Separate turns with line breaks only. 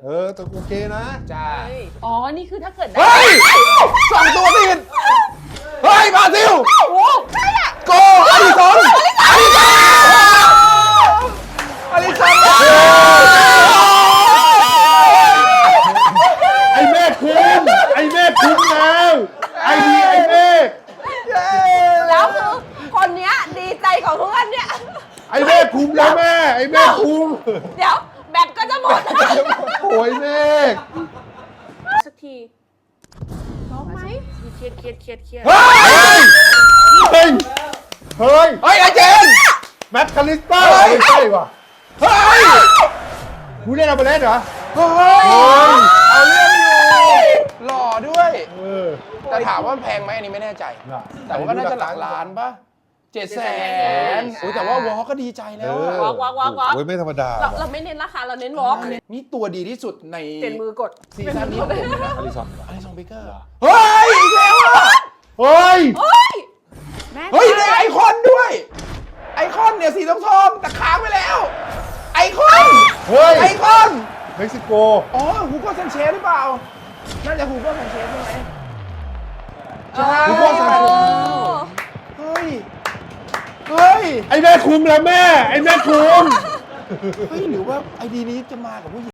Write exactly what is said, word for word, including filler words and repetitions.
เออแต่โอเคนะ
จ้า
อ๋อ นี่คือถ้าเกิดได้
เฮ้ยสองตัวติดเฮ้ยบราซิล
โอ้ใช่อ่ะ
โกอลิซอนอลิซอนอลิซอน
ไอ้เมฆคุ้มไอ้เมฆคุ้มแล้วไอ้ดีไอ้เมฆ
แล้วคือคนเนี้ยดีใจของเพื่อนเนี่ย
ไอ้เมฆคุ้มแล้วแม่ไอ้เมฆคุ้ม
เดี๋ยวแบตก็จะหมด
โอ้ยเมฆ
สักทีร้องไหมเครียดเครียดเครียดเครียด
เฮ้ย
เฮ้ยเฮ้ย
เฮ้ยไอเจน
แมตต์คาลิสเตอร์ไม่ใช่ว่ะ
เฮ้ย
กูเล่นเอาไปเล่นเหรอ
เฮ้ยเอาเรื่องอยู่หล่อด้วย
เออ
แต่ถามว่าแพงไหมอันนี้ไม่แน่ใจ
น่ะ
แต่ว่าก็น่าจะหลักล้านป่ะเจ็ดแสนอุ้ยแต่ว่าวอลก็ดีใจแล้วอะ
วอกวอกวอกวอก
โอ้ยไม่ธรรมดา
เราเราไม่เน้นราคาเราเน้นวอล์ก
นี่ตัวดีที่สุดใน
เปลี่ยนมือกด
ซีซั่นนี้ของผมนะ
อลิซอน
อลิซองเบเกอร์เฮ้ยอีกแล้วอะ
เฮ้ย
เฮ้ยแม่
เฮ้ยได้ไอคอนด้วย ไอคอนเนี่ยสีทองทองๆแต่ค้างไปแล้ว ไอคอน
เฮ้ย
ไอคอน
เม็กซิโก
อ๋อฮูโก้ซันเชสหรือเปล่า น่าจะฮูโก้ซันเชสใช่ไหมใช่
ฮูโก้ซันเชส
เฮ้ย เฮ้ย
ไอ้แม่คุ้มแล้วแม่ไอ้แม่คุ้ม
เฮ้ย หรือว่าไอดีนี้จะมากับผู้หญิง